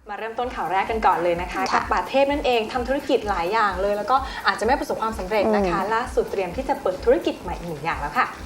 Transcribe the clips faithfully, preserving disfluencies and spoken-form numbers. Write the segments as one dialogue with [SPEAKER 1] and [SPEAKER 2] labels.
[SPEAKER 1] มาเริ่มต้นข่าวแรกกันก่อนเลยนะคะกับป่าเทพนั่นเองทำธุรกิจหลายอย่างเลยแล้วก็อาจจะไม่ประสบความสำเร็จนะคะล่าสุดเตรียมที่จะเปิดธุรกิจใหม่หนึ่งอย่างแล้วค่ะ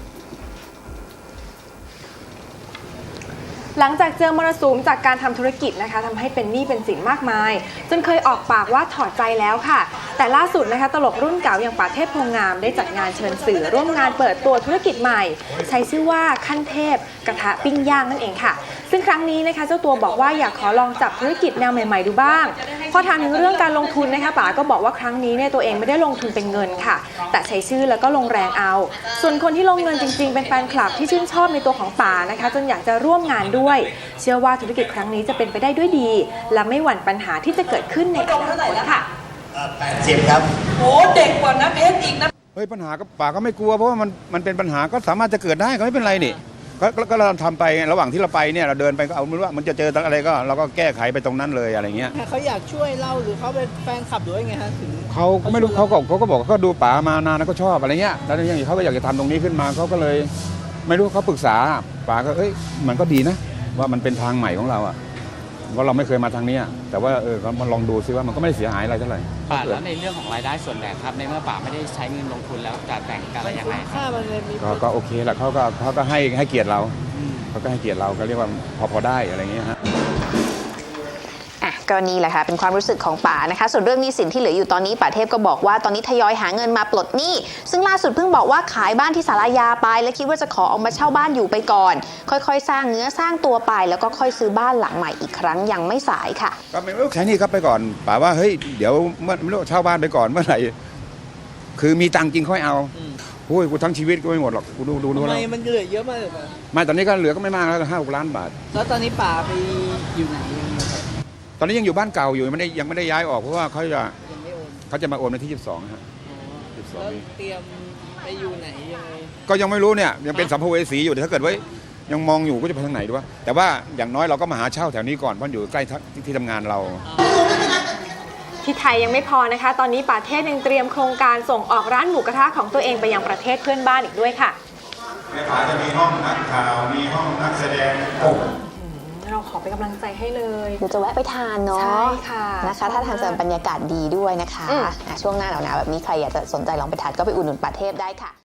[SPEAKER 1] หลังจากเจอมรสุมจากการทำธุรกิจนะคะทำให้เป็นหนี้เป็นสินมากมายจนเคยออกปากว่าถอดใจแล้วค่ะแต่ล่าสุดนะคะตลกรุ่นเก่าอย่างป่าเทพโพงามได้จัดงานเชิญสื่อร่วมงานเปิดตัวธุรกิจใหม่ใช้ชื่อว่าขั้นเทพกระทะปิ้งย่างนั่นเองค่ะซึ่งครั้งนี้นะคะเจ้าตัวบอกว่าอยากขอลองจับธุรกิจแนวใหม่ๆดูบ้างพอถามถึงเรื่องการลงทุนนะคะป๋าก็บอกว่าครั้งนี้เนี่ยตัวเองไม่ได้ลงทุนเป็นเงินค่ะแต่ใช้ชื่อแล้วก็ลงแรงเอาส่วนคนที่ลงเงินจริงๆเป็นแฟนคลับที่ชื่นชอบในตัวของป๋านะคะจนอยากจะร่วมงานด้วยเชื่อว่าธุรกิจครั้งนี้จะเป็นไปได้ด้วยดีและไม่หวั่นปัญหาที่จะเกิดขึ้นในอนาคตค่ะ
[SPEAKER 2] แปดสิบครับ
[SPEAKER 3] โอ้เด็กกว่านะเพชรอีกนะ
[SPEAKER 4] เฮ้ยปัญหาก็ป่าก็ไม่กลัวเพราะว่ามันมันเป็นปัญหาก็สามารถจะเกิดได้ก็ไม่เป็นไรนี่ก็ก็เราทำไประหว่างที่เราไปเนี่ยเราเดินไปก็เอาไม่รู้ว่ามันจะเจออะไรก็เราก็แก้ไขไปตรงนั้นเลยอะไรเงี้ย
[SPEAKER 3] เขาอยากช่วยเราหรือเขาเป็นแฟนคลับหรือว่าไงฮะถึง
[SPEAKER 4] เขาไม่รู้เขาก็เขาก็บอกเขาดูป่ามานานแล้วก็ชอบอะไรเงี้ยแล้วอย่างนี้เขาก็อยากจะทำตรงนี้ขึ้นมาเขาก็เลยไม่รู้เขาปรึกษาป่าก็เอ้ยมันก็ดีนะว่ามันเป็นทางใหม่ของเราอ่ะเพราะเราไม่เคยมาทางนี้แต่ว่าเออมาลองดูซิว่ามันก็ไม่ได้เสียหายอะไรเท่าไหร่
[SPEAKER 5] ป่าแล้วในเรื่องของรายได้ส่วนแบ่งครับในเมื่อป่าไม่ได้ใช้เงินลงทุนแล้วจะแบ่งกันอะไรยังไงครับ
[SPEAKER 4] ก็โอเคแหละเขาก็เขาก็ให้ให้เกียรติเราเขาก็ให้เกียรติเราก็เรียกว่าพอพอได้อะไรเงี้ยฮะ
[SPEAKER 6] ก็นี่แหละค่ะเป็นความรู้สึกของป๋านะคะส่วนเรื่องหนี้สินที่เหลืออยู่ตอนนี้ป๋าเทพก็บอกว่าตอนนี้ทยอยหาเงินมาปลดหนี้ซึ่งล่าสุดเพิ่งบอกว่าขายบ้านที่ศาลายาไปและคิดว่าจะขอออกมาเช่าบ้านอยู่ไปก่อนค่อยๆสร้างเนื้อสร้างตัวไปแล้วก็ค่อยซื้อบ้านหลังใหม่อีกครั้งยังไม่สายค่ะ
[SPEAKER 4] ก็ไม่รู้ใช้นี่ครับไปก่อนป๋าว่าเฮ้ยเดี๋ยวเมื่อไม่รู้เช่าบ้านไปก่อนเมื่อไหร่คือมีตังค์จริงค่อยเอาโอ้ยกูทั้งชีวิตก็ไม่หมดหรอกกูดูดูดู
[SPEAKER 3] ทำไมมันเหลือเยอะมากเลยป่ะ
[SPEAKER 4] ไม่ตอนนี้ก็เหลือก็ไม่มากแล้วห้าหกล้านบาท
[SPEAKER 3] แล้วตอนนี้ป๋าไปอยู่ไหน
[SPEAKER 4] ตอนนี้ยังอยู่บ้านเก่าอยู่ไม่ได้ยังไม่ได้ย้ายออกเพราะว่าเขาจะเขาจะมาโอนในที่ยี่สิบสองฮะ
[SPEAKER 3] ยี่สิบสองเตรียมไปอยู่ไหนยังไง
[SPEAKER 4] ก็ยังไม่รู้เนี่ยยังเป็นสัมภเวสีอยู่แต่ถ้าเกิดว่ายังมองอยู่ก็จะไปทางไหนดูวะแต่ว่าอย่างน้อยเราก็มาหาเช่าแถวนี้ก่อนเพราะอยู่ใกล้ที่ทำงานเรา
[SPEAKER 1] ที่ไทยยังไม่พอนะคะตอนนี้ป่าเทพยังเตรียมโครงการส่งออกร้านหมูกระทะของตัวเองไปยังประเทศเพื่อนบ้านอีกด้วยค่ะ
[SPEAKER 4] ในป่าจะมีห้องนักข่าวมีห้องนักแสดงโอ้
[SPEAKER 1] เราขอเป็นกำลังใจให้เลย
[SPEAKER 6] เดี๋ยวจะแวะไปทานเนาะ
[SPEAKER 1] ใช่ค่ะ
[SPEAKER 6] นะคะถ้าทานจะบรรยากาศดีด้วยนะคะช่วงหน้าหนาวๆแบบนี้ใครอยากจะสนใจลองไปทานก็ไปอุดหนุนป่าเทพได้ค่ะ